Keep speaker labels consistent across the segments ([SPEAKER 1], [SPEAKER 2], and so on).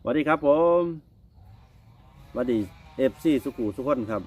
[SPEAKER 1] สวัสดีครับผมสวัสดีFCสุขุสุขคนครับ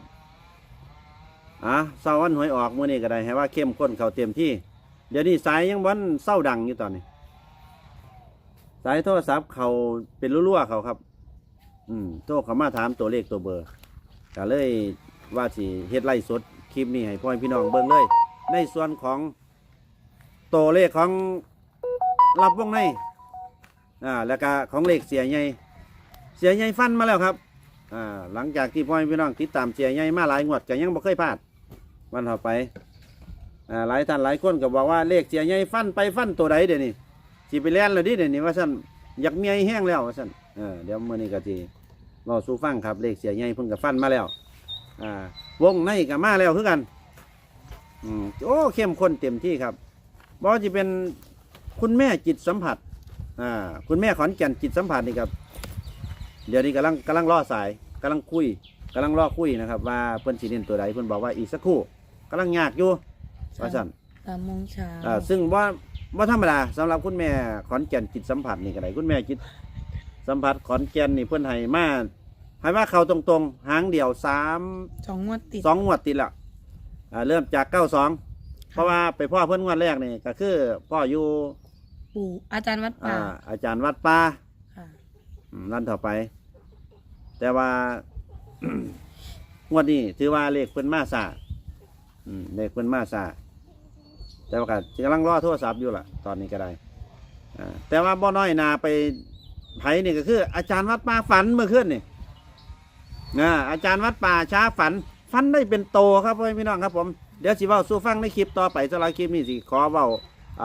[SPEAKER 1] เศร้าวันหวยออกมื้อนี้ก็ได้ให้ว่าเข้มข้นเขาเต็มที่เดี๋ยวนี้สายยังวันเศร้าดังอยู่ตอนนี้สายโทรศัพท์เขาเป็นรั่วๆเขาครับโทรเขามาถามตัวเลขตัวเบอร์ก็เลยว่าสิเฮ็ดไล่สดคลิปนี้ให้พ่อพี่น้องเบิ่งเลยในส่วนของตัวเลขของรับวงในแล้วก็ของเลขเสียใหญ่ฟันมาแล้วครับหลังจากที่พ่อพี่น้องติดตามเสียใหญ่มาหลายงวดก็ยังบ่เคยพลาดวันต่อไปหลายท่านหลายคนก็บอกว่าเลขเสียใหญ่ฟันไปฟันตัวใดเดี๋ยวนี้สิไปเล่นเลยดิเดี๋ยวนี้ว่าซั่นอยากเมียแห้งแล้วว่าซั่นเดี๋ยวมื้อนี้ก็สิรอสู่ฟังครับเลขเสียใหญ่เพิ่นก็ฟันมาแล้ววงในก็มาแล้วคือกันโอ้เข้มข้นเต็มที่ครับบ่ว่าจะเป็นคุณแม่จิตสัมผัสคุณแม่ขอนแก่นจิตสัมผัสนี่ครับเดี๋ยวนี้กำลังรอสายกำลังรอคุยนะครับว่าเพิ่นสิเน้นตัวใดเพิ่นบอกว่าอีกสักครู่กำลังยากอยู่ว่าซั่น
[SPEAKER 2] 3 โมงเช้า
[SPEAKER 1] ซึ่งว่าธรรมดาสำหรับคุณแม่ขอนแก่นจิตสัมผัสนี่ก็ได้คุณแม่จิตสัมผัสขอนแก่นนี่เพิ่นให้มาเข้าตรงๆหางเดียว
[SPEAKER 2] 2 งวดติด
[SPEAKER 1] 2 งวดติดละเริ่มจาก92เพราะว่าไปพ่อเพิ่นงวดแรกนี่ก็คือพ่ออยู่
[SPEAKER 2] ปู่อาจารย์วัดป่า
[SPEAKER 1] อาจารย์วัดป่านั่นต่อไปแต่ว่า งวดนี้ถือว่าเลขเพิ่นมาซาเลขเพิ่นมาซาแต่ว่าก็กำลังรอโทรศัพท์อยู่ล่ะตอนนี้ก็ได้แต่ว่าบ่น้อยนาไปไผนี่ก็คืออาจารย์วัดป่าฝันเมื่อคืนนี่อาจารย์วัดป่าช้าฝันได้เป็นโตครับพ่อพี่น้องครับผมเดี๋ยวสิเว้าสู่ฟังในคลิปต่อไปสำหรับคลิปนี้สิขอเว้า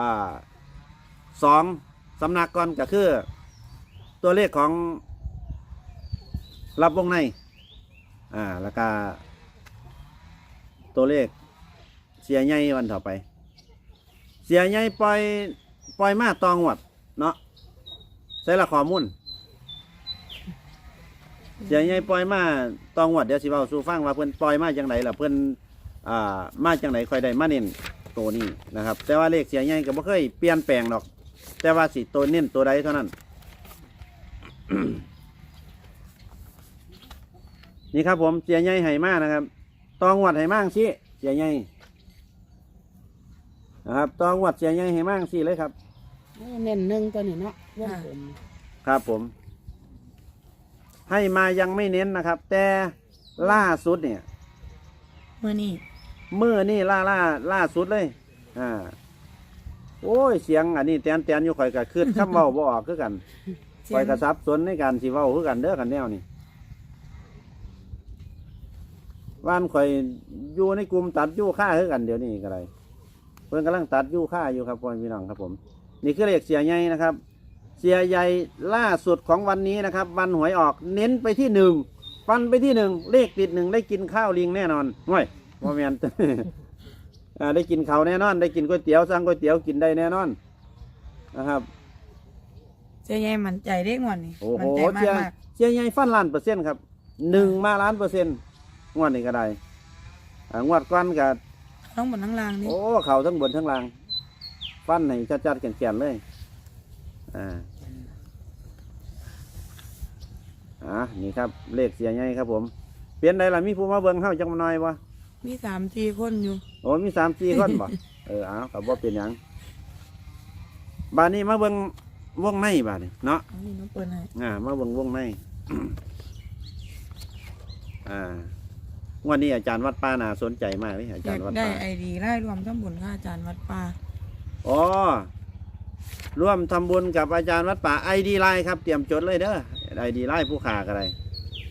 [SPEAKER 1] 2 สำนักก่อนก็คือตัวเลขของรับวงในแล้วก็ตัวเลขเสียใหญ่วันต่อไปเสียใหญ่ปล่อยมาตองวดเนาะใส่ละข้อมูลเสียใหญ่ปล่อยมาตองวดเดี๋ยวสิเว้าสู่ฟังว่าเพิ่นปล่อยมาจังไดล่ะเพิ่นมาจังไดค่อยได้มาเน้นตัวนี้นะครับแต่ว่าเลขเสียใหญ่ก็บ่เคยเปลี่ยนแปลงหรอกแต่ว่าสิตัวเน้นตัวใดเท่านั้น นี่ครับผมเสียใหญ่ไหมานะครับตองวัดไหมางสิเสียใหญ่นะครับตองวัดเสียใหญ่ไหมางสิเลยครับ
[SPEAKER 2] เน้นหนึ่งตัวนี้เนาะ
[SPEAKER 1] ครับผมให้มายังไม่เน้นนะครับแต่ล่าสุดเนี่ย
[SPEAKER 2] เมื่อ
[SPEAKER 1] นี่ล่าสุดเลยโอ้ยเสียงอันนี้แตนอยู่ข่อยกับคืดคำเว้าบ่ออกคือกันข่อยกระซับสนในการสิเว้าคือกันเด้อกันแนวนี่บ้านข่อยอยู่ในกลุ่มตัดยู่ค่าคือกันเดี๋ยวนี้ก็ได้เพิ่นกำลังตัดยู่ค่าอยู่ครับพ่อพี่น้องครับผมนี่คือเลขเสียใหญ่นะครับเสียใหญ่ล่าสุดของวันนี้นะครับวันหวยออกเน้นไปที่1ฟันไปที่1เลขติด1ได้กินข้าวลิงแน่นอนห่วยบ่แม่น ได้กินข้าวแน่นอนได้กินก๋วยเตี๋ยวสั่งก๋วยเตี๋ยวกินได้แน่นอนนะครับ
[SPEAKER 2] เสียใหญ่มั่นใจได้งวดนี้
[SPEAKER 1] โอ้โหเสียใหญ่ฟัน1,000,000%ครับ1มา1,000,000%งวดนี้ก็ได้งวดก้อนกับ
[SPEAKER 2] ทั้งบนทั้งล่างนี่
[SPEAKER 1] โอ้เข่าทั้งบนทั้งล่างฟันให้จัดๆแก่นๆเลยนี่ครับเลขเสียใหญ่ครับผมเปลี่ยนได้ละมีผู้มาเบิ่งเฮาจังมาหน่อยวะ
[SPEAKER 2] มี3-4 คนอยู่
[SPEAKER 1] โอ้มี3-4 คนบ่กับบ่เป็นหยังบ้านนี้มาเบิ่งวงในบ้านนี้เนาะ
[SPEAKER 2] นี่น้องเปิ้ลให้
[SPEAKER 1] มาเบิ่งวงในวันนี้อาจารย์วัดป่าน่าสนใจมากเลยอาจารย์วัดป่า
[SPEAKER 2] ได้ไอดีไล่รวมทำบุญกับอาจารย์วัดป่า
[SPEAKER 1] ร่วมทำบุญกับอาจารย์วัดป่าไอดีไลน์ครับเตรียมจดเลยเด้อไอดีไลน์ผู้ขากันเลย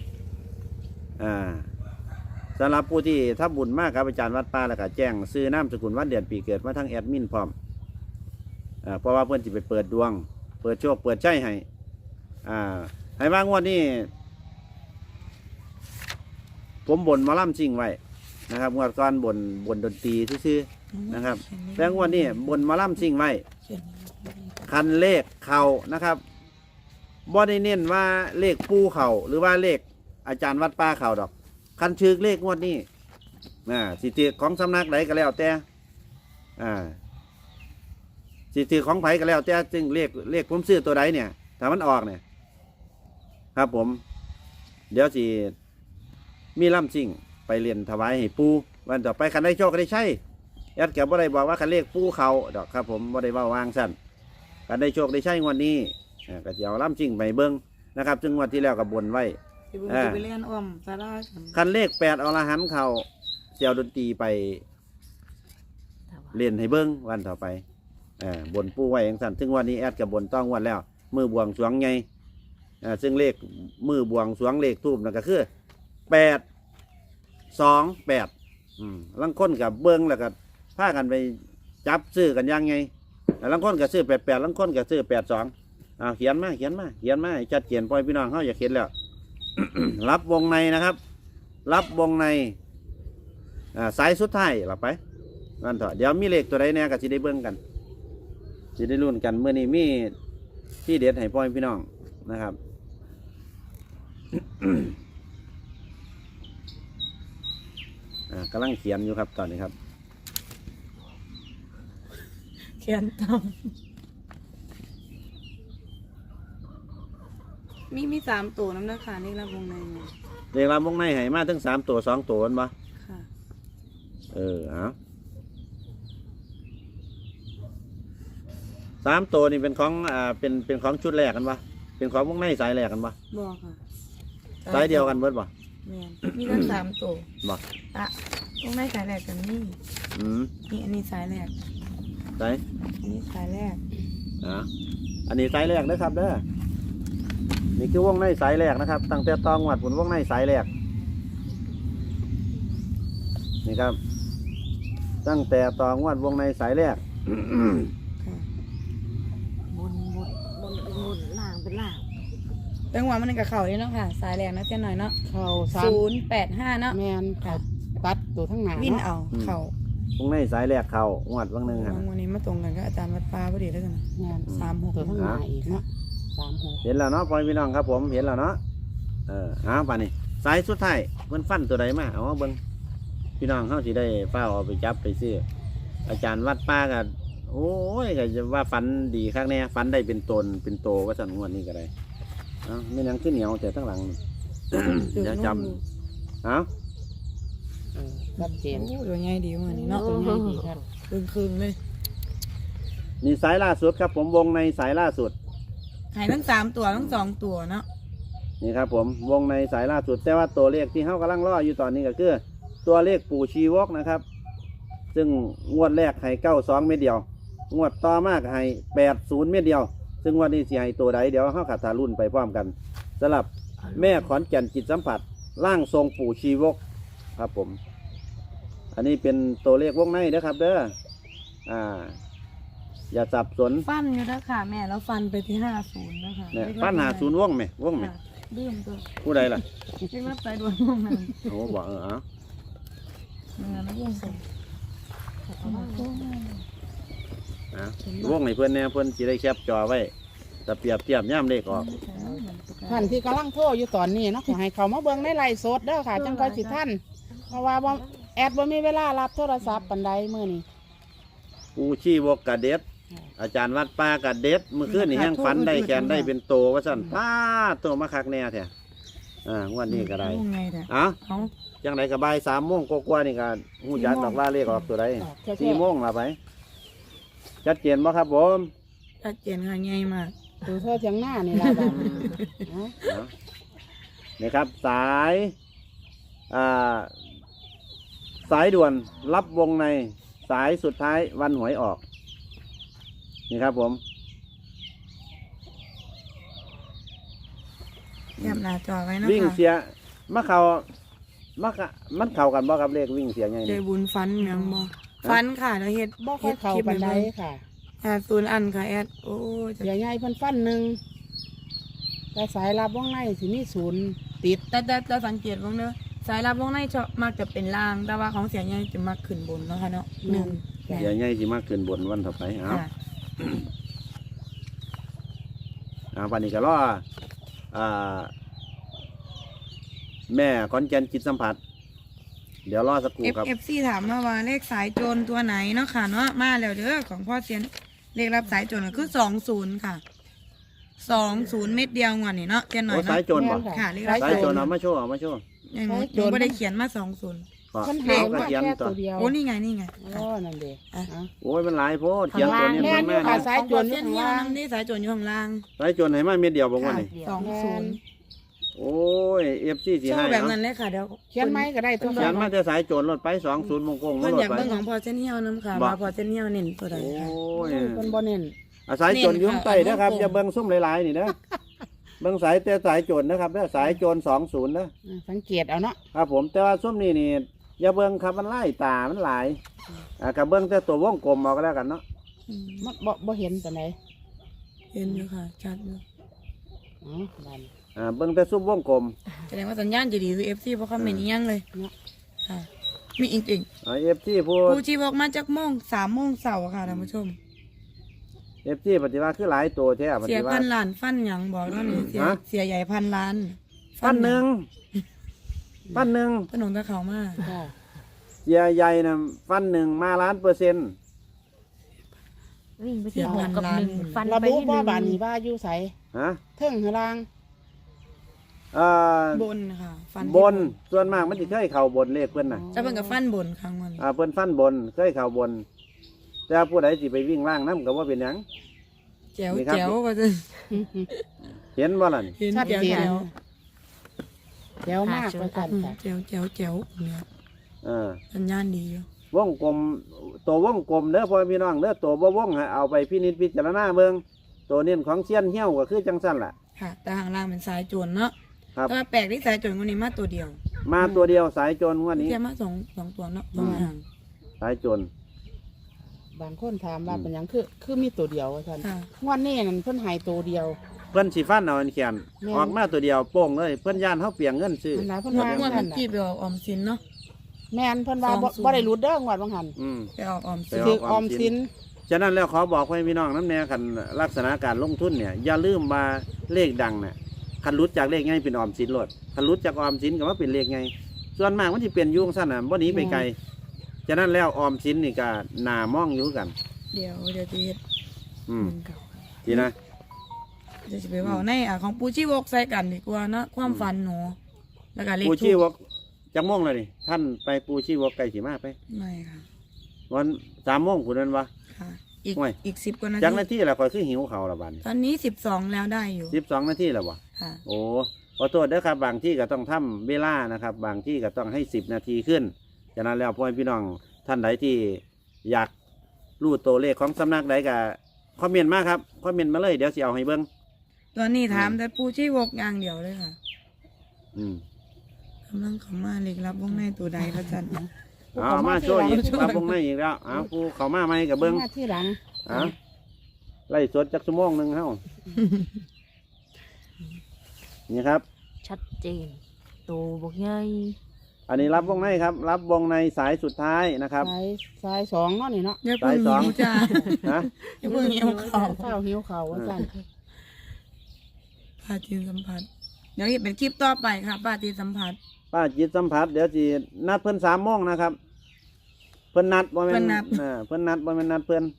[SPEAKER 1] สำหรับผู้ที่ทำบุญมากครับอาจารย์วัดป่าแล้วก็แจ้งซื้อนามสกุลวันเดือนปีเกิดมาทั้งแอดมินพร้อมเพราะว่าเพื่อนจะไปเปิดดวงเปิดโชคเปิดใจให้ว่างวดนี้ผมบ่นมาล่ำซิ่งไว้นะครับงวดก่อนบ่นดนตรีซื่อๆนะครับแต่งวดนี้บ่นมาล่ำซิ่งไว้คันเลขเข่านะครับบ่ได้เน้นว่าเลขปูเข่าหรือว่าเลขอาจารย์วัดป่าเข่าดอกคันชื่อเลขงวดนี้สิทธิของสำนักไหนก็แล้วแต่สิทธิของไผก็แล้วแต่จึงเลขผมซื้อตัวใดเนี่ยถ้ามันออกเนี่ยครับผม เดี๋ยวสิมีล่ำซิ่งไปเรียนถวายให้ปูวันต่อไปคันได้โชคก็ได้ใช่ยัดแกบ่ได้บอกว่าคันเลขปูเขาดอกครับผมบ่ได้เว่าวางสั้นคันได้โชคได้ใช่งวดนี้ก็จะเอาล่ำซิ่งไปเบิ้งนะครับซึ่งงวดที่แล้วกับบนไว้
[SPEAKER 2] สิเบิ่งสิไปเรียนอ้อมสารากัน
[SPEAKER 1] คันเลข8อรหันต์เขาเสี่ยวดนตรีไปเรียนให้เบิ้งวันต่อไปบนปูไว้อย่างสั้นซึ่งวันนี้แอดกับบนต้องงวันแล้ว มือบวงสรวงไงซึ่งเลขมือบวงสรวงเลขทูบนั่นก็คือ828ลังค้นกับเบิ้งแล้วก็พากันไปจับซื้อกันยังไงลังค้นกับซื้อ88ลังค้นกับซื้อ82เขียนมาให้ชัดเจนปล่อยพี่น้องเขาอยากเขียนแล้ว รับวงในนะครับ รับวงในสายสุดท้ายหลับไปนั่นเถอะเดี๋ยวมีเลขตัวใดแน่ก็สิได้เบิ้งกันสิได้รุ่นกันเมื่อนี้มีที่เด็ดให้พ่อพี่น้องนะครับ กำลังเขียนอยู่ครับตอนนี้ครับ
[SPEAKER 2] เขียนตามมี3ตัวน้ำหน้าขานี่รับวงในเนี่ย
[SPEAKER 1] เลขรับวงในให้มาทั้ง3ตัว2ตัวนั่นปะ
[SPEAKER 2] ค่ะ
[SPEAKER 1] เอา3ตัวนี่เป็นของเป็นของชุดแรกกันปะเป็นของวงในสายแรกกันปะ
[SPEAKER 2] บอกค่ะ
[SPEAKER 1] สายเดียวกันเบิดปะ
[SPEAKER 2] แม่นมีทั้ง3ตัว
[SPEAKER 1] บ่
[SPEAKER 2] วงในสายแรกกันนี่ นี่อันนี้สายแรก
[SPEAKER 1] สาย
[SPEAKER 2] อันนี้สายแรก
[SPEAKER 1] อันนี้สายแรกนะครับเด้อนี่คือวงในสายแรกนะครับตั้งแต่ตองวัดผลวงในสายแรกนี่ครับตั้งแต่ตองวัดวงในสายแรก
[SPEAKER 2] ค่ะ
[SPEAKER 3] บนล่างเป็นล่าง
[SPEAKER 2] จังหวะมันกับเข่าเลยเนาะค่ะ สายแรกนะเจ้าหน่อยเนาะ
[SPEAKER 3] เข่า
[SPEAKER 2] 085เนาะ
[SPEAKER 3] แมนค่ะตัดตัวทั้งหนา
[SPEAKER 2] วิ่น
[SPEAKER 3] เนาะ
[SPEAKER 2] เอาเข่าว
[SPEAKER 1] งในสายแรกเขางวดวังหนึ่งฮะ
[SPEAKER 2] วันนี้มาตรงกันก็อาจารย์วัดป้าพอดีแล้วกันนะ
[SPEAKER 3] แมน
[SPEAKER 2] 36
[SPEAKER 3] ตัวทั้งหนาอีกเนาะ36
[SPEAKER 1] เห็นแล้วเนาะพ่อพี่น้องครับผมเห็นแล้วเนาะป่านนี้สายสุดท้ายเพิ่นฟันตัวใดมาเอามาเบิ่งพี่น้องเขาสิได้เฝ้าเอาไปจับไปซื้ออาจารย์วัดป้ากันโอ้ยก็จะว่าฝันดีครั้งแน่ฝันได้เป็นตนเป็นโตว่าสั่นงวดนี้ก็ได้ไม่ยังขึ้นเหนียวแต่ทั้งหลังนี่ เดี๋ยวจำ
[SPEAKER 3] ชัดเจน
[SPEAKER 2] โอ้ตัวใหญ่ดีวันนี้เนาะ
[SPEAKER 3] ตัวใหญ่ดีครับ
[SPEAKER 2] คืนเลย
[SPEAKER 1] นี่สายล่าสุดครับผมวงในสายล่าสุด
[SPEAKER 2] หายทั้ง3ตัวทั้ง2ตัวเนาะ
[SPEAKER 1] นี่ครับผมวงในสายล่าสุดแต่ว่าตัวเลขที่เขากำลังรออยู่ตอนนี้ก็คือตัวเลขปู่ชีวกนะครับ ซึ่งงวดแรกให้92เม็ดเดียวงวดต่อมากให้80เม็ดเดียว ซึ่งวันนี้สิให้ตัวใดเดี๋ยวเขาขัดทารุ่นไปพร้อมกันสำหรับแม่ขอนแก่นจิตสัมผัสร่างทรงปู่ชีวกครับผม อันนี้เป็นตัวเลขวงในนะครับเด้ออย่าสับสน
[SPEAKER 2] ฟันอยู่แล้วค่ะแม่แล้วฟันไปที่50นะคะ
[SPEAKER 1] เนี่ยปัญหาศูนย์วงไหมวงไหม
[SPEAKER 2] ดื้มตัว
[SPEAKER 1] ผู้ใดล่ะ
[SPEAKER 2] เรียกรับสายด่วนวงนั้น
[SPEAKER 1] โอ้บอก
[SPEAKER 2] เงินแล้ววงส่ง
[SPEAKER 1] วงให้เพื่อนแน่เพื่อนสิได้แคปจอไว้แต่เปรียบเทียบย่ำเลขออก
[SPEAKER 3] ท่านที่กำลังโทรอยู่ตอนนี้เนาะขอให้เขามาเบิ่งในไลฟ์สดเด้อค่ะจังค่อยสิท่านเพราะว่าบ่แอดบ่มีเวลารับโทรศัพท์ปานใดมื้อนี้
[SPEAKER 1] ปูชีวกกะเด็ด อาจารย์วัดป้ากะเด็ดเมื่อคืนนี่ยังฝันได้แขนได้เป็นโตว่าสั่นป้าโตมาคักแน่แท้งวดนี้ก็ได้
[SPEAKER 2] วงไงแต่
[SPEAKER 1] เอ้า
[SPEAKER 2] เขา
[SPEAKER 1] จังไดก็บ่าย3 โมงกว่าๆนี่ก็ฮู้จักดอกว่าเลขออกตัวใด 4 โมงละไปชัดเจนบ่ครับผม
[SPEAKER 2] ชัดเจนค่ะง่ายมาก
[SPEAKER 3] ดูโทรเถียงหน้านี่ล่ะบัดนี้เอ้า
[SPEAKER 1] นี่ครับสายสายด่วนรับวงในสายสุดท้ายวันหวยออกนี่ครับผม
[SPEAKER 2] แคบหน้าจอไว้นะ
[SPEAKER 1] วิ่ง
[SPEAKER 2] คะ
[SPEAKER 1] เสียมันเข้ากันบ่ครับเลขวิ่งเสียไง
[SPEAKER 2] ใจ
[SPEAKER 1] นี่
[SPEAKER 2] บุญฟันยังบ่ฟันค่ะแล้วเฮ็ด
[SPEAKER 3] บ่ค่อยเข้าปานใดค่ะ
[SPEAKER 2] 0อันค่ะแอดโอ้จะ
[SPEAKER 3] เดี๋ยวใหญ่เพิ่นฟันหนึงแต่สายรับวงในสิมี0ติด
[SPEAKER 2] แต่สังเกตบ้างเนอะสายรับวงในชอบมักจะเป็นล่าง แต่ว่าของเสียใหญ่จะมักขึ้นบนเนาะค่ะเนาะ1
[SPEAKER 1] เสียไงสิมากขึ้นบนวันต่อไปเอา
[SPEAKER 2] ค่ะ
[SPEAKER 1] ปานนี้ก็รอแม่ขอนแก่นจิตสัมผัส เดี๋ยวรอสักครู่ครับ
[SPEAKER 2] FC ถามมาว่าเลขสายโจรตัวไหนเนาะค่ะเนาะมาแล้วเด้อของพ่อเซียนเลขรับสายโจรก็คือ20ค่ะ 20 เม็ดเดียวงวดนี่เนาะแค่หน่อ
[SPEAKER 1] โอ้
[SPEAKER 2] ย
[SPEAKER 1] สา
[SPEAKER 2] เนาะ
[SPEAKER 1] ยโจรบ่
[SPEAKER 2] ค่ะเลข
[SPEAKER 1] สา
[SPEAKER 2] สาย ย
[SPEAKER 1] โจ
[SPEAKER 2] โจ
[SPEAKER 1] ร
[SPEAKER 2] ร
[SPEAKER 1] เอามาโชว์เอามาโชว์
[SPEAKER 2] ยังหนูบ่ได้เขียนมา20
[SPEAKER 1] ก็
[SPEAKER 3] เพิ่น
[SPEAKER 1] เขา
[SPEAKER 3] หาย
[SPEAKER 1] ก็
[SPEAKER 3] มา
[SPEAKER 1] เขียน
[SPEAKER 3] แค่
[SPEAKER 1] ตั
[SPEAKER 3] ตัว วเดียว
[SPEAKER 2] โอ้นี่ไงนี่ไง
[SPEAKER 3] โอ้นั่นเด้
[SPEAKER 2] อ่ะ
[SPEAKER 3] เอา
[SPEAKER 1] โอ้ยมันหลายโพดเขียนตัวนี้
[SPEAKER 3] แม่
[SPEAKER 1] มัน
[SPEAKER 3] นอยู่
[SPEAKER 1] แม่
[SPEAKER 3] ค่ะ
[SPEAKER 1] นะ
[SPEAKER 3] สายโจร
[SPEAKER 2] เส้นเดียวน้ำนี่สายโจรอยู่ข้างล่าง
[SPEAKER 1] สายโจรให้มาเม็ดเดียวบอกว่านี่
[SPEAKER 2] 20
[SPEAKER 1] โอ้ย FC สิ
[SPEAKER 2] โช
[SPEAKER 1] ให้
[SPEAKER 2] ว์แบบ
[SPEAKER 1] เนาะ
[SPEAKER 2] นั้นเลยค่ะเดี๋ยว
[SPEAKER 3] เขียนไม้ก็ได้ตัว
[SPEAKER 1] เขียนมาแต่สายโจรรถไป20มงกง
[SPEAKER 2] เพิ่น
[SPEAKER 1] ร
[SPEAKER 2] อ
[SPEAKER 1] ถ
[SPEAKER 2] ยาก
[SPEAKER 1] ไป
[SPEAKER 2] เบิ่งของพอเส้นเหี่ยวน้ำค่ะ
[SPEAKER 1] บ่
[SPEAKER 2] ว่าพอเส้นเหี่ยวเน้นตัวใด
[SPEAKER 1] โอ้
[SPEAKER 2] ค่ะ
[SPEAKER 1] ย
[SPEAKER 3] เพิ่นบ่เน้น
[SPEAKER 1] สายโจรอยุ่ข้างใต้นะครับ
[SPEAKER 2] เน้นค่ะ
[SPEAKER 1] อย่าเบิ่งซุ่มหลายๆนี่นะเบิ่งสายแต่สายโจรนะครับเด้อสายโจร20นะ
[SPEAKER 3] สังเกตเอาเนาะ
[SPEAKER 1] ครับผมแต่ว่าซุ่มนี่นี่อย่าเบิ่งครับมันไล่ตามันหลายกับเบิ่งแต่ตัววงกลมเอาก็แล้วกันเนาะ
[SPEAKER 2] อืม
[SPEAKER 3] มันบ่เห็นปานใด
[SPEAKER 2] เห็นอยู่ค่ะชัดอยู่
[SPEAKER 3] อ๋อบัด
[SPEAKER 1] เบิ่งแต่ซุ่มวงกลม
[SPEAKER 2] แสดงว่าสัญญาณจะดีคือ FC เพราะคอมเมนต์อีหยังเลย
[SPEAKER 3] เนาะ
[SPEAKER 2] ค่ะ มีจริง
[SPEAKER 1] FT ผู้
[SPEAKER 2] ๆผู้ที่บอกมาจากโมง3 โมงเช้าค่ะท่านผู้ชม
[SPEAKER 1] FT ปฏิวัติคือหลายตัวแท้ป
[SPEAKER 2] เสีย
[SPEAKER 1] ฏิวั
[SPEAKER 2] พั
[SPEAKER 1] ติ
[SPEAKER 2] นล้านฟันหยังบอกแล้วนี่เสีย
[SPEAKER 1] ฮะ
[SPEAKER 2] เสียใหญ่พันล้าน
[SPEAKER 1] พันหนึ่งพันหนึ่ง
[SPEAKER 2] ขนมตะเขามา
[SPEAKER 3] ค่ะ
[SPEAKER 1] เสียใหญ่นะฟันหนึ่งมาล้านเปอร์เซ็นต์
[SPEAKER 4] วิ่งไปที่6กับ1ฟัน
[SPEAKER 3] ระ
[SPEAKER 4] ไป
[SPEAKER 3] บุ
[SPEAKER 4] ที่
[SPEAKER 3] ว่าบาด
[SPEAKER 4] 1
[SPEAKER 3] นี้ว่าอยู่ไส
[SPEAKER 1] ฮะ
[SPEAKER 3] เทิงหรือล่าง
[SPEAKER 2] บนค่ะฟัน
[SPEAKER 1] บนส่วนมากมันจะเคยเข่าบนเลขเพื่อนน่ะ
[SPEAKER 2] จะเป็นกับฟันบนครั้งมัน
[SPEAKER 1] เพื่อนฟันบนเคยเข่าบน แต่ผู้ใดสิไปวิ่งล่างน้ำก็ว่าเป็นหยัง
[SPEAKER 2] แจ๋ว
[SPEAKER 1] นี่ครับ
[SPEAKER 2] แจ๋วก็จะ
[SPEAKER 1] เห็นว่าล่ะนี่
[SPEAKER 2] เห็น
[SPEAKER 3] ชัด
[SPEAKER 2] แจ๋ว
[SPEAKER 3] เจน
[SPEAKER 2] แจ๋ว
[SPEAKER 3] เดี๋ยวมากประกันค่ะ
[SPEAKER 2] แจ๋วแจ๋วแจ๋วเนี่ย
[SPEAKER 1] เออ
[SPEAKER 2] สัญญาณดีอยู่
[SPEAKER 1] วงกลมตัววงกลมเด้อพ่อพี่น้องเด้อตัวบ่วงให้เอาไปพินิจพิจารณาเบิ่งตัวเน้นของเซียนเหี้ยวก็คือจังสั้นล่ะ
[SPEAKER 2] ค่ะ แต่ห่างล่างเป็นสายโจรเนาะ
[SPEAKER 1] ครับ
[SPEAKER 2] แต่ว่าแปลกที่สายโจรคนนี้มาตัวเดียว
[SPEAKER 1] มาตัวเดียวสายโจรงวันนี้
[SPEAKER 2] แค่มาสองตัวเนาะสองห่าง
[SPEAKER 1] สายโจร
[SPEAKER 3] บางคนถามว่าเป็นหยังคือมีตัวเดียวว่าซั่น
[SPEAKER 2] ค่ะ
[SPEAKER 3] งวดนี้นั่นเพิ่นให้ตัวเดียว
[SPEAKER 1] เพิ่นสิฟันเอาอันแขน
[SPEAKER 3] แม่น
[SPEAKER 1] ออกมาตัวเดียวโป้งเลยเพิ่นย่านเฮาเปลียงเงินซื้อ
[SPEAKER 3] อันไหนเพิ่น
[SPEAKER 2] งว
[SPEAKER 3] ว่า
[SPEAKER 2] ดงวด
[SPEAKER 3] ซั่
[SPEAKER 2] เมื่
[SPEAKER 3] น
[SPEAKER 2] อกี้ไปออกออมสินเนาะ
[SPEAKER 3] แม่นเพิ่นว่าบ่
[SPEAKER 2] 20
[SPEAKER 3] บ่ได้รุดเด้องวดบางหัน
[SPEAKER 1] อืม
[SPEAKER 2] ไปออกออม
[SPEAKER 1] ไป
[SPEAKER 2] สิน
[SPEAKER 1] อ
[SPEAKER 3] ถื
[SPEAKER 1] อก
[SPEAKER 3] อออมสิน
[SPEAKER 1] ฉะนั้นแล้วขอบอกให้พี่น้องน้ำแน่คันลักษณะการลงทุนเนี่ยอย่าลืมมาเลขดังน่ะคันรุดจากเลขไงเป็นออมสินโลดคันรุดจากออมสินก็ว่าเป็นเลขไงส่วนมากมันจะเป็นอยุ่จั่งสั้นน่ะบ่หนีไปไกลฉะนั้นแล้วออมสินนี่ก็น่ามองอยู่กัน
[SPEAKER 2] เดี๋ยวจะเฮ็ด
[SPEAKER 1] อืมทีนะ
[SPEAKER 2] เดี๋ยวจะไปเว่าในของปูชีวกใส่กันดีกว่าเนาะความฝันหนูแล้วก็เลข
[SPEAKER 1] ปูชี
[SPEAKER 2] ทู
[SPEAKER 1] ว
[SPEAKER 2] ป
[SPEAKER 1] กจังม่วงเลยนี่ท่านไปปูชีวกไกลสีมาไป
[SPEAKER 2] ไม่ค่ะ
[SPEAKER 1] วัน3 โมงคุณนั้นวะ
[SPEAKER 2] ค่ะ อีก
[SPEAKER 1] ห่วย
[SPEAKER 2] อีก10 กว่านา
[SPEAKER 1] จังนา
[SPEAKER 2] ที
[SPEAKER 1] ทีละคอยคือหิวเขาวละบัดน
[SPEAKER 2] ตอนนี้12แล้วได้อยู่
[SPEAKER 1] 12 นาทีแล้ววะ
[SPEAKER 2] ค่ะ
[SPEAKER 1] โอ้ขอโทษเด้อครับบางที่ก็ต้องทำเวลานะครับ บางที่ก็ต้องให้10 นาทีขึ้นฉะนั้นแล้วพ่อพี่น้องท่านใดที่อยากรู้ตัวเลขของสำนักใดก็คอมเมนต์มาครับคอมเมนต์มาเลยเดี๋ยวสิเอาให้เบิ้ง
[SPEAKER 2] ตอนนี้ถามแต่ปูชีวกอย่างเดียวเลยค่ะ
[SPEAKER 1] อืม
[SPEAKER 2] กำลังเข้ามาเล็กรับวงในตัวใดพระจันทร์
[SPEAKER 1] เอามาช่วยอีกรับวงในอีกแล้วเอาผู้เขามาไหมกับเบิ้ง
[SPEAKER 3] มาที่หลัง
[SPEAKER 1] เอาไล่สดจักชั่วโมงหนึ่งเฮ้านี่ครับ
[SPEAKER 4] ชัดเจนโตบอกใหญ่
[SPEAKER 1] อันนี้รับวงในครับ รับวงในสายสุดท้ายนะครับ
[SPEAKER 3] สายสองเนาะนี่เนาะ
[SPEAKER 2] อย่าเพิ่ง
[SPEAKER 1] สาย
[SPEAKER 2] หิ
[SPEAKER 1] 2
[SPEAKER 2] วจ้า
[SPEAKER 1] นะ
[SPEAKER 2] อย่าเพิ่งหิวเขา
[SPEAKER 3] ข้าวหิวข้าวว่าซั่น
[SPEAKER 2] ปาจีนสัมผัสเดี๋ยวเห็นเป็นคลิปต่อไปค่ะปาจีนสัมผัส
[SPEAKER 1] ป้าจิตสัมผัสเดี๋ยวสินัดเพิ่น3 โมงนะครับ เพิ่นนัดบ่แม่
[SPEAKER 2] เพิ่
[SPEAKER 1] น
[SPEAKER 2] นนัด
[SPEAKER 1] เพิ่นนัดบ่แม่นนัดเพิ่น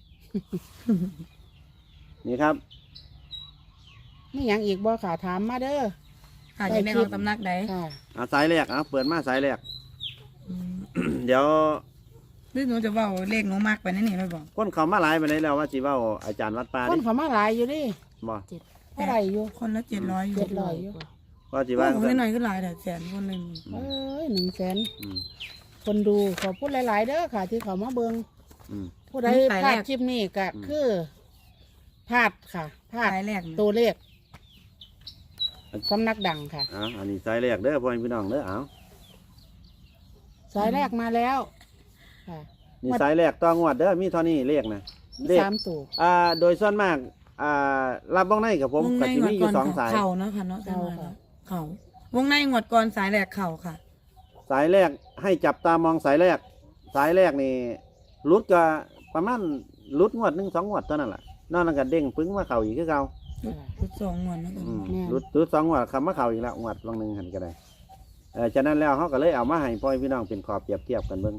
[SPEAKER 1] นี่ครับ
[SPEAKER 3] ไม่หยังอีกบ่ค่ะถามมาเด้อ
[SPEAKER 2] ค่ะจะได้ของตำนักใด
[SPEAKER 3] ค่ะ
[SPEAKER 1] สายแรกเปิดมาสายแรก
[SPEAKER 2] อืม
[SPEAKER 1] เดี๋ยว
[SPEAKER 2] หรือหนูจะเว่าเลขหนูมากไปนั่นนี่ไม่บอก
[SPEAKER 1] คนเขามาหลายไปไหนแล้วว่าสิเว้าอาจารย์วัดป่า
[SPEAKER 3] คน
[SPEAKER 1] ดิ
[SPEAKER 3] เขามาหลายอยู่ดิ
[SPEAKER 1] บ่
[SPEAKER 3] เท่าไหรอยู่
[SPEAKER 2] คนละ700อยู่
[SPEAKER 3] 700 อยู่
[SPEAKER 1] ว่าสิ
[SPEAKER 2] ว่า
[SPEAKER 1] ว่า
[SPEAKER 2] ของหน่อยๆก็หลายแต่แสนคนเลย
[SPEAKER 3] เอ้ย100,000
[SPEAKER 1] อืม
[SPEAKER 3] คนดูขอพูดหลายๆเด้อค่ะ ที่เขามาเบิง
[SPEAKER 1] อืม
[SPEAKER 3] ผู้ใดพลาดคลิปนี้ก็คือพลาดค่ะพลาด
[SPEAKER 2] สายแรกนะ
[SPEAKER 3] ตัวเลขสำนักดังค่ะ
[SPEAKER 1] อันนี้สายแรกเด้อพ่อพี่น้องเด้อเอา
[SPEAKER 3] สายแรกมาแล้ว ค่ะ
[SPEAKER 1] นี่สายแรกต้องงวดเด้อมีเท่านี้เลขนะ
[SPEAKER 3] มี
[SPEAKER 1] เลข
[SPEAKER 3] 3ตัว
[SPEAKER 1] โดยส่วนมากรับบ้องในกับผม
[SPEAKER 2] วง
[SPEAKER 1] ก็
[SPEAKER 2] ใน
[SPEAKER 1] สิ
[SPEAKER 2] งว
[SPEAKER 1] มี
[SPEAKER 2] ด
[SPEAKER 1] อ
[SPEAKER 2] ก่
[SPEAKER 1] ยู่
[SPEAKER 2] อน
[SPEAKER 1] 2 สาย
[SPEAKER 2] เข่าเนาะค่ะเนาะ
[SPEAKER 3] เข่าค่ะ
[SPEAKER 2] เข่าวงในงวดก่อนสายแรกเข่าค่ะ
[SPEAKER 1] สายแรกให้จับตามองสายแรก สายแรกนี่รุดก็ประมาณรุดงวด1 2 งวดเท่านั้นแหละนอกนั้นก็เด้งปึ้งมาเข่าอีกคือเก่า
[SPEAKER 2] ชุด2งวดนะกัน
[SPEAKER 1] รุด2 งวดคำมาเข่าอีกแล้วงวดบางหนึงหันก็ได้ฉะนั้นแล้วเขาก็เลยเอามาให้พ่อพี่น้องเป็นขอบเปรียบเทียบกันเบิ่ง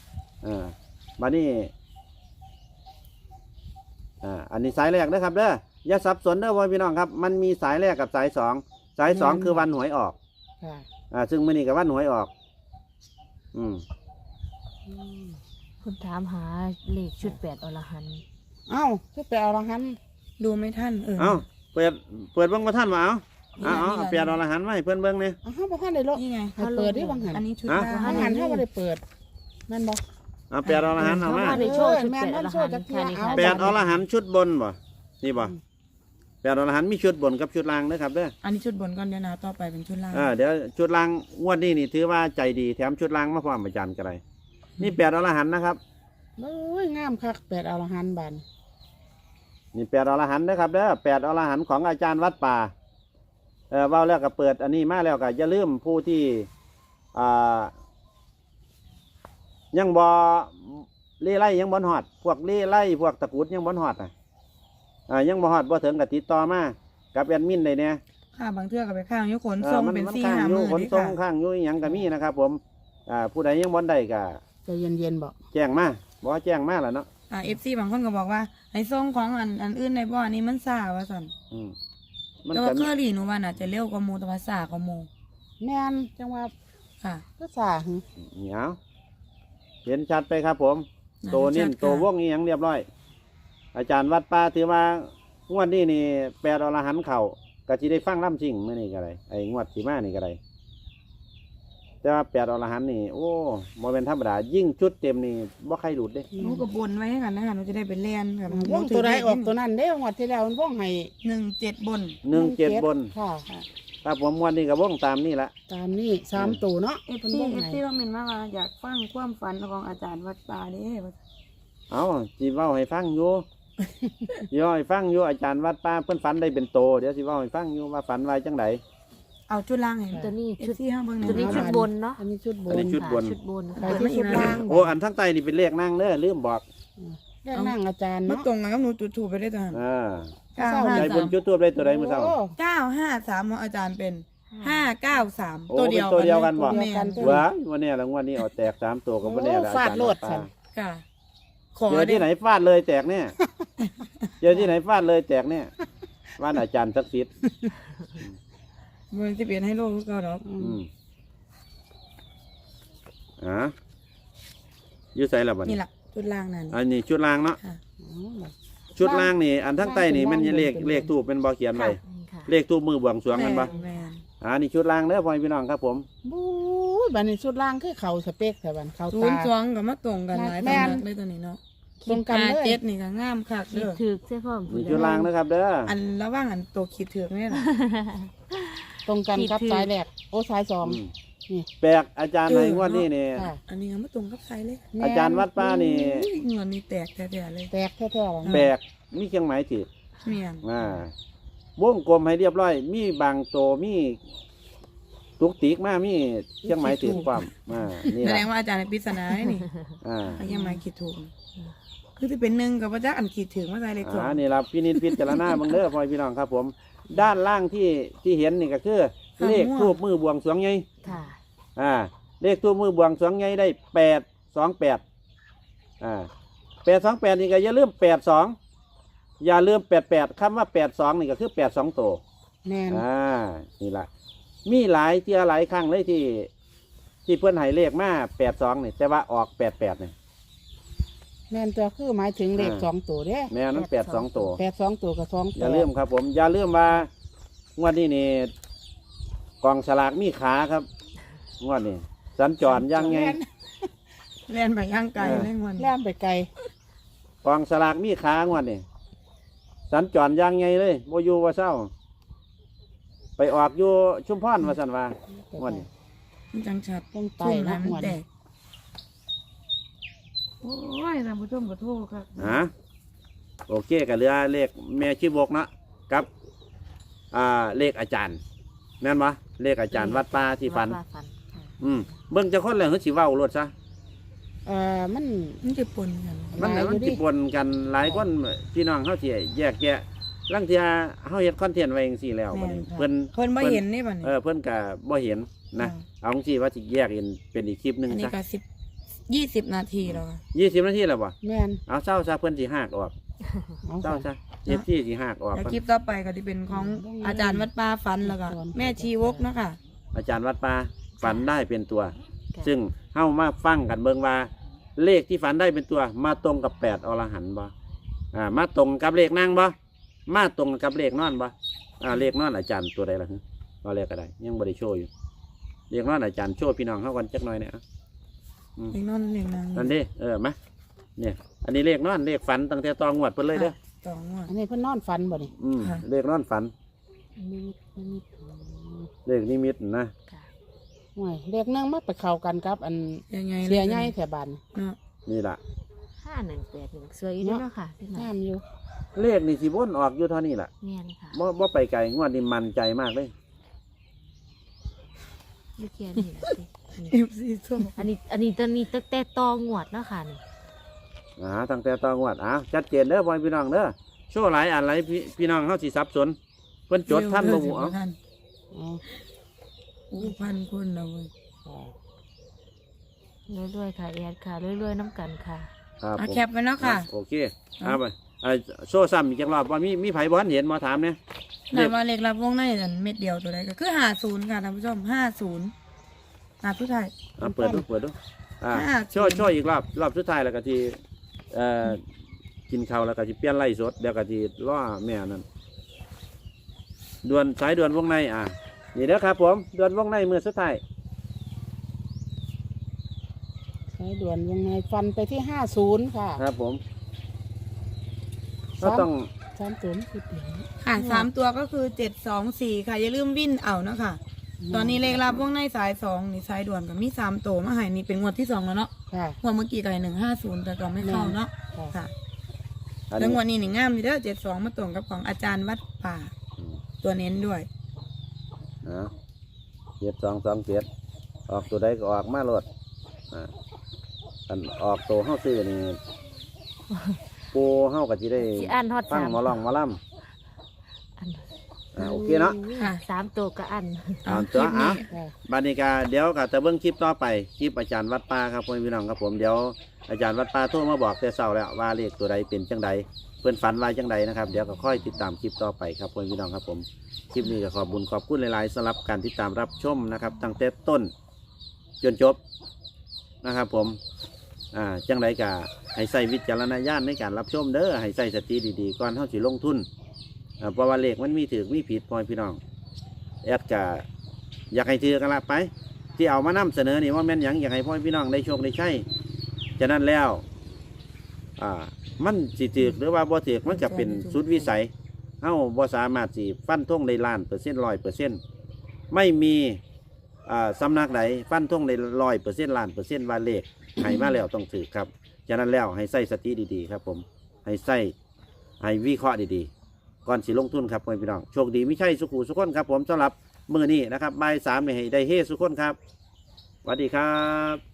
[SPEAKER 1] บัดนี้อันนี้สายแรกนะครับเด้ออย่าสับสนเด้อพ่อพี่น้องครับมันมีสายแรกกับสายสองสายสองคือวันหวยออก
[SPEAKER 3] ค่ะ
[SPEAKER 1] ซึ่งมื้อนี้กับวันหวยออก อืม
[SPEAKER 4] คุณถามหาเลขชุด8อรหันต์
[SPEAKER 3] เอ้าคือไปเอาละหัน
[SPEAKER 2] ดูไม่ทัน
[SPEAKER 1] เอ้าเปิดเบิ่งบ่ทันว่าเอาเปลี่ยนอรหันต์มาให้เพิ่นเบิ่งนี่
[SPEAKER 3] เอาเฮาบ่ทันได้ลบ
[SPEAKER 2] นี่ไง
[SPEAKER 3] ให้เปิดได้บางหัน
[SPEAKER 2] อันนี้ชุด
[SPEAKER 1] ฮะ
[SPEAKER 2] ล่าง
[SPEAKER 3] บางหันเฮาบ่ได้เปิดแม่นบ่
[SPEAKER 1] เอาเปลี่ยนอรหันต์เอามา
[SPEAKER 4] ได้โชว์ชุด
[SPEAKER 3] แม่น
[SPEAKER 4] 8อร
[SPEAKER 3] โช
[SPEAKER 4] หั
[SPEAKER 3] ว์
[SPEAKER 4] น
[SPEAKER 3] จัก
[SPEAKER 4] ต์
[SPEAKER 3] เที่ย
[SPEAKER 4] ค่ะนี่
[SPEAKER 3] เอา
[SPEAKER 4] ค่ะ
[SPEAKER 1] แปดอรหันต์ชุดบนบ่นี่บ่แปดอรหันต์มีชุดบนกับชุดล่างเด้อครับเด้อ
[SPEAKER 2] อันนี้ชุดบนก่อนเดี๋ยวนะต่อไปเป็นชุดล่าง
[SPEAKER 1] เดี๋ยวชุดล่างงวดนี้นี่ถือว่าใจดีแถมชุดล่างมาพร้อมอาจารย์ก็ได้นี่แปดอรหันต์นะครับ
[SPEAKER 3] โอ้ยงามคักแปดเอาละหันบาน
[SPEAKER 1] นี่แปดอรหันต์นะครับเด้อแปดอรหันต์ของอาจารย์วัดป่าเว้าแล้วก็เปิดอันนี้มาแล้วก็อย่าลืมผู้ที่ยังบ่เล่ไล่ยังบ่ฮอดพวกเล่ไล่พวกตะกรุดยังบ่ฮอดยังบ่ฮอดบ่ถึงก็ติดต่อมากับแอดมินได้เนี่ย
[SPEAKER 2] ค่ะบางเทื่อก็ไปข้างยกขนส่งเป็น
[SPEAKER 1] มัน
[SPEAKER 2] สี่
[SPEAKER 1] ข้าง
[SPEAKER 2] ห้า
[SPEAKER 1] อยู่
[SPEAKER 2] มือ
[SPEAKER 1] ขน
[SPEAKER 2] นี่
[SPEAKER 1] ส่ง
[SPEAKER 2] ค่ะ
[SPEAKER 1] ข้างอยู่อหยังก็มีนะครับผมผู้ใดยังบ่ได้ก็
[SPEAKER 3] ใจเย็นๆบ่
[SPEAKER 1] แจ้งมาบอกว่าแจ้งมาแล้วเนาะ
[SPEAKER 2] FC บางคนก็บอกว่าให้ส่งของอันอื่นในบ่อนี้มันซ่าว่าซั่น
[SPEAKER 1] มัน
[SPEAKER 2] แต่
[SPEAKER 1] ก็
[SPEAKER 2] ว่าเค
[SPEAKER 1] มี
[SPEAKER 2] อรี่หนูว่าน่าจะเร็วกว่าหมู่แต่ว่าซ่ากว่าหมู่
[SPEAKER 3] แม่นจังว่า
[SPEAKER 2] ค่ะ
[SPEAKER 3] ก็สาหึ
[SPEAKER 1] เหนียวเห็นชัดไปครับผมโตนิ่มโตวงอีหยังเรียบร้อย อาจารย์วัดป่าถือว่างวดนี้นี่แปดอรหันต์เข่าก็สิได้ฟังล่ำจริงเมื่อนี้ก็ได้ไอ้งวดสีมานี่ก็ได้แต่ว่าแปดอรหันต์นี่โอ้โมเป็นธรรมดายิ่งชุดเต็มนี่บ่ใครหลุดเด้
[SPEAKER 2] หนูก็บนไว้ให้กันนะคะหนูจะได้ไปเรียนกับ
[SPEAKER 3] วงตัวใดออกตัวนั้นเด้งวดที่แล้วมันวงให้
[SPEAKER 2] 17บน
[SPEAKER 1] 17บน
[SPEAKER 3] ค่ะ
[SPEAKER 1] ถ้าผมงวดนี้ก็วงตามนี่ละ
[SPEAKER 3] ตามนี้3ตัวเนาะ
[SPEAKER 2] เอฟ
[SPEAKER 3] เพิ่น
[SPEAKER 2] ซี
[SPEAKER 3] วง
[SPEAKER 2] เอฟ
[SPEAKER 3] ให้
[SPEAKER 2] ซีว่าเมนมาว่าอยากฟังความฝันของอาจารย์วัดป่าเด้ว่า
[SPEAKER 1] เอาสิเว้าให้ฟังอยู่ สิเว้าให้ฟังอยู่อาจารย์วัดป่าเพิ่นฝันได้เป็นโตเดี๋ยวสิเว้าให้ฟังอยู่ว่าฝันไว้จังได
[SPEAKER 2] เอาชุดล่างให้
[SPEAKER 4] ตัวนี้
[SPEAKER 2] เอ
[SPEAKER 4] ชุ
[SPEAKER 2] ฟ
[SPEAKER 4] ด
[SPEAKER 2] ซีห้าเบิ่งห
[SPEAKER 4] ตัวนี้
[SPEAKER 2] น่อย
[SPEAKER 4] ชุดบนเนาะ
[SPEAKER 3] อันนี้ชุดบ
[SPEAKER 1] อัน
[SPEAKER 3] น
[SPEAKER 1] นี้ชุดบน
[SPEAKER 4] ชุดบน
[SPEAKER 3] ไป
[SPEAKER 4] ค่ะ
[SPEAKER 3] ที่ชุดล่าง
[SPEAKER 1] โอ้อันทั้งใต้นี่เป็นเลขนั่งเด้อลืมบอก
[SPEAKER 3] เรื่องนั่งอาจารย์
[SPEAKER 2] มา
[SPEAKER 3] เนาะ
[SPEAKER 2] ตรงกันกับหนูจุดถูกไปได้ตอน
[SPEAKER 1] ใจบนจุดตัวได้ตัวใดเมื่อเช้า
[SPEAKER 3] โอ้
[SPEAKER 2] 953ของอาจารย์เป็น 593
[SPEAKER 1] โอ้
[SPEAKER 2] ตัวเดียว
[SPEAKER 1] เป็นตัวเดียวกันบ่
[SPEAKER 2] แม่น
[SPEAKER 1] ว้ายวันนี้รางวัลนี้เอาแตก3ตัวก็บ่แน่ละอาจารย์วัดป่า
[SPEAKER 2] ค่ะขอ
[SPEAKER 1] เจอที่ไหนฟาดเลยแตกเนี่ยเจอที่ไหนฟาดเลยแตกเนี่ยว่านอาจารย์ศักดิ์สิทธิ์
[SPEAKER 2] มันจะเปลี่ยนให้โลกก็ดอก
[SPEAKER 1] อยู่ใส่ละบัด
[SPEAKER 2] นี่
[SPEAKER 1] นี้
[SPEAKER 2] แหละชุดล่างนั่น
[SPEAKER 1] อันนี้ชุดล่างเนาะ
[SPEAKER 2] ค่ะ
[SPEAKER 1] ชุดล่างนี่อันทั้งใต้นี่มันเลขทูบเป็นบ่เขียนไว้
[SPEAKER 4] นี่ค่ะ
[SPEAKER 1] เลขทูบมือบวงสรวงกันบ่
[SPEAKER 2] แม่น
[SPEAKER 1] นี่ชุดล่างเด้อพ่อพี่น้องครับผม
[SPEAKER 3] บู๊ยบัดนี้ชุดล่างคือเขาสเปกแต่บัดเขา
[SPEAKER 2] ศู
[SPEAKER 3] ตาน
[SPEAKER 2] ย์สองกับมาตรงกันหลาย
[SPEAKER 3] แม่
[SPEAKER 2] ตำ
[SPEAKER 3] น
[SPEAKER 2] นักเลยตัวนี้เนาะ
[SPEAKER 3] ตรงกันเลย
[SPEAKER 2] เจ็ดนี่ก็งามคัก
[SPEAKER 4] คิ
[SPEAKER 2] เด้
[SPEAKER 4] ด
[SPEAKER 2] อ
[SPEAKER 4] ถึกเสื้อผ้า
[SPEAKER 1] นี่ชุดล่างนะครับเด้อ
[SPEAKER 2] อันระว่างอันตัวขีดเถือกนี่แหละ
[SPEAKER 3] ตรงกันกับสายแรกโอ้สายสอง นี่
[SPEAKER 1] แปลกอาจารย์ในงวดนี้นี่
[SPEAKER 3] ค่ะ
[SPEAKER 2] อันนี้ก็มาตรงกับไซเลย
[SPEAKER 3] แม่น
[SPEAKER 1] อาจารย์วัดป้านี่
[SPEAKER 2] อุ้ยเงินนี่แตกแท้ๆเลย
[SPEAKER 3] แตกแท้ๆเลย
[SPEAKER 1] แปลกมีเครื่องหมายถือ
[SPEAKER 2] เมียน
[SPEAKER 1] วงกลมให้เรียบร้อย มีบางโตมีตุกติกมามีเครื่องหมายถือความนี่
[SPEAKER 2] แสด
[SPEAKER 1] ล่ะ
[SPEAKER 2] งว่าอาจารย์ในปริศนาให้นี่ อันยังไม่ขีดถูก คือที่เป็นหนึ่งกับพระเจ้าอันขีดถึงว่าใจเล็กสอง
[SPEAKER 1] นี่ละพี่นิดพิจารณาเบังเด้อพ่อพี่น้องครับผม ด้านล่างที่เห็นนี่ก็คือเลขทูบมือบวงสรวงใหญ่
[SPEAKER 4] ค่ะ
[SPEAKER 1] เลขทูบมือบวงสรวงใหญ่ได้828828นี่ก็อย่าลืม82อย่าลืม88คำว่า82นี่ก็คือ82โต
[SPEAKER 3] แม่น
[SPEAKER 1] นี่ละมีหลายเที่ยหลายครั้งเลยที่เพื่อนให้เลขมา82นี่แต่ว่าออก88นี่
[SPEAKER 3] แม่นตัวคือหมายถึงเลขสองตัวเด้
[SPEAKER 1] แม่นั้น82โต
[SPEAKER 3] 82ตัวกับ2ตัว
[SPEAKER 1] อย่าลืมครับผมอย่าลืมว่างวดนี้นี่กองสลากมีขาครับงวดนี้สัญจรยังไง
[SPEAKER 2] เรียนไปย่างไกลเล่นวัน
[SPEAKER 3] แล่นไปไกล
[SPEAKER 1] กองสลากมีขางวดนี้สัญจรยังไงเลยโมยูว่าเศร้า ไปออกอยู่ชุมพรว่าสันว่างวดนี้
[SPEAKER 2] มันจังชัด
[SPEAKER 3] ต้องไต
[SPEAKER 2] ทุ่ม
[SPEAKER 3] นะ
[SPEAKER 2] น้ำมัน
[SPEAKER 3] หัว
[SPEAKER 2] แตกโอ้ยท่านผู้ชมขอโทษครับ
[SPEAKER 1] โอเคกับเรือเลขแม่ชีบกเนาะกับเลขอาจารย์แม่นวะเลขอาจารย์วัดป่าที่ฝัน
[SPEAKER 4] ว่าฝันค่ะ
[SPEAKER 1] เบิ่งจะคนเลยเขาสิเว้ารถซะ
[SPEAKER 3] มัน
[SPEAKER 2] มันจะปนกัน
[SPEAKER 1] มัน
[SPEAKER 3] หลายอยู่
[SPEAKER 1] มัน
[SPEAKER 3] ดิ
[SPEAKER 1] จิปนกันหลายคนพี่น้องเขาสิแยกแยะลังเทียเขาเฮ็ดคอนเทนต์ไว้จังซี่แล้วบัดนี้เพิ่น
[SPEAKER 2] เพิ่นไม่เห็นนี่ป่ะนี่
[SPEAKER 1] เพิ่นก็บ่เห็นนะเอาจังซี่ว่าสิแยกเป็นอีกคลิปหนึง
[SPEAKER 2] อันนี้
[SPEAKER 1] ซะ
[SPEAKER 2] ก็20 นาทีแล้วค่ะ
[SPEAKER 1] 20 นาทีแล้วบ่
[SPEAKER 3] แม่น
[SPEAKER 1] เอาเศร้าซะเพิ่นสิหากออก
[SPEAKER 3] เอา
[SPEAKER 1] เศร้าซะเจ็บที่สิหักออก
[SPEAKER 2] แล้วคลิปต่อไปก็จะเป็นของอาจารย์วัดป่าฝันแล้วก็แม่ชีวกเนาะค่ะ
[SPEAKER 1] อาจารย์วัดป่าฝันได้เป็นตัว ซึ่งเฮามาฟังกันเบิ่งว่าเลขที่ฝันได้เป็นตัวมาตรงกับ8อรหันต์บ่มาตรงกับเลขนั่งบ่มาตรงกับเลขนอนบ่เลขนอนอาจารย์ตัวใดล่ะฮะเอาเลขก็ได้ยังบ่ได้โชว์อยู่เลขนอนอาจารย์โชว์พี่น้องเฮากันจักหน่อยเนี่ย
[SPEAKER 2] เด็กนอนเด็กนาง
[SPEAKER 1] นั่นดิมาเนี่ยอันนี้เลขนอนเลขฝันตั้งแต่ตองวดเพิ่นเลยเด้อ
[SPEAKER 2] ต่องวด
[SPEAKER 3] อันนี้เพิ่นนอนฝันบ่นี่
[SPEAKER 2] ค่ะ
[SPEAKER 1] เลขนอนฝัน
[SPEAKER 4] นิมิต
[SPEAKER 1] เลขนิมิตนะ
[SPEAKER 4] ค่ะ
[SPEAKER 3] โอ้ยเลขหนึงมาไปเข้ากันกับอัน
[SPEAKER 2] ยังไง
[SPEAKER 3] เสียใหญ่แถวบ้าน
[SPEAKER 2] เนาะ
[SPEAKER 1] นี่ล่ะ
[SPEAKER 4] 5181สวยอยู่เด้วยเนาะค่ะพี่น้อง
[SPEAKER 3] งามอยู่
[SPEAKER 1] เลขนี่สิวนออกอยู่เท่านี้ล่ะ
[SPEAKER 4] แม่นค่ะ
[SPEAKER 1] บ่ไปไกลงวดนี้มั่นใจมากเลย
[SPEAKER 4] ลูกเขียนนี่ล่ะสิ
[SPEAKER 2] เอฟซีส้ม
[SPEAKER 4] อันนี้ตอนนี้ตั้งแต่ตองวดเนาะค่ะนี่
[SPEAKER 1] ตั้งแต่ตองวดชัดเจนเด้อพ่อพี่น้องเด้อโชว์หลายอันหลายพี่น้องเฮาสิสับสนเพิ่นจดท่านบ่ฮู้เอา
[SPEAKER 2] ท่าน
[SPEAKER 3] อ๋อ
[SPEAKER 2] อู้พันคนเราเว้ย
[SPEAKER 4] รวยๆค่ะแอดค่ะรวยๆน้ำกันค่ะ
[SPEAKER 1] ครับผม
[SPEAKER 2] แคปไว้เนาะค่ะ
[SPEAKER 1] โอเคไปโชว์ซ้ำอีกจักรอบว่ามีไผบ่ทันเห็นมาถามเนี่ย
[SPEAKER 2] แต่ว่าเลขรับวงในนั่นเม็ดเดียวตัวใดก็คือ50ค่ะท่านผู้ชม50นับผู้ไทย
[SPEAKER 1] เปิดดู
[SPEAKER 2] 50
[SPEAKER 1] โชว์อีกรอบสุดท้ายแล้วก็ที่กินข้าวแล้วก็สิเปลี่ยนไล่สดเดี๋ยวก็สิรอแม่นั่นสายด่วนวงในนี่เด้อครับผมด่วนวงในมื้อสุดท้าย
[SPEAKER 3] ใช้ด่วนยังไงฟันไปที่50ค่ะ
[SPEAKER 1] ครับผมก็ต้อง
[SPEAKER 3] 30คือเดียว
[SPEAKER 2] ค่ะ3ตัวก็คือ724ค่ะอย่าลืมวิ่นเอาเนาะค่ะ ตอนนี้เลขรับวงในสาย2นี่สายด่วนก็มี3ตัวมาให้นี่เป็นงวดที่2แล้วเนาะ
[SPEAKER 3] ค่ะ
[SPEAKER 2] งวดเมื่อกี้ก็150แต่ก็ไม่เข้าเนาะ
[SPEAKER 3] ค่ะ
[SPEAKER 2] ค่ะ
[SPEAKER 1] อัน
[SPEAKER 2] แล้ว
[SPEAKER 1] นี้
[SPEAKER 2] งวดนี้นี่งามอยู่เด้อ72มาตรงกับของอาจารย์วัดป่าตัวเน้นด้วย
[SPEAKER 1] 7227ออกตัวใดก็ออกมาโลดอันออกตัวเฮาซื้อนี่ปูเฮาก็สิได้
[SPEAKER 4] สิอ่านฮอด
[SPEAKER 1] ฟัง
[SPEAKER 4] 3
[SPEAKER 1] หมอลองหมอล
[SPEAKER 4] อัน
[SPEAKER 1] โอเคเนาะ
[SPEAKER 2] ค่ะ
[SPEAKER 4] 3ตัวก็อัน
[SPEAKER 1] เอาตัว
[SPEAKER 2] คลิปนี้
[SPEAKER 3] ค่ะ
[SPEAKER 1] บานิกาเดี๋ยวก็จะเบิ่งคลิปต่อไปคลิปอาจารย์วัดป่าครับพ่อพี่น้องครับผมเดี๋ยวอาจารย์วัดป่าโทรมาบอกแต่เช้าแล้วว่าเลขตัวใดเป็นจังใดเพื่อนฝันว่าจังใดนะครับเดี๋ยวก็ค่อยติดตามคลิปต่อไปครับพ่อพี่น้องครับผมคลิปนี้ก็ขอบคุญขอบคุณหลายๆสำหรับการติดตามรับชมนะครับตั้งแต่ต้นจนจบนะครับผมจังใดก็ให้ใส่วิจารณญาณในการรับชมเด้อให้ใส่สติดีๆก่อนเฮาสิลงทุนเพราะว่าเลขมันมีถูกมีผิดพ่อพี่น้องแอดก็อยากให้ถือกันละไป ที่เอามานำเสนอนี่ว่าแม่นหยังอยากให้พ่อพี่น้องได้โชคได้ใช้ฉะนั้นแล้วมันสิถือหรือว่าบ่ถือมันจะเป็นสุดวิสัยเฮาบ่สามารถสิฟันธงได้100%ไม่มีสำนักใดฟันธงได้100%ล้านเปอร์เซ็นต์ว่าเลขให้มาแล้วต้องถือครับฉะนั้นแล้วให้ใส่สติดีๆครับผมให้วิเคราะห์ดีๆก่อนสิลงทุนครับพ่อพี่น้องโชคดีไม่ใช่สุขุสุขคนครับผมสำหรับมื้อนี้นะครับบ่าย 3นี่ให้ได้เฮสุขคนครับสวัสดีครับ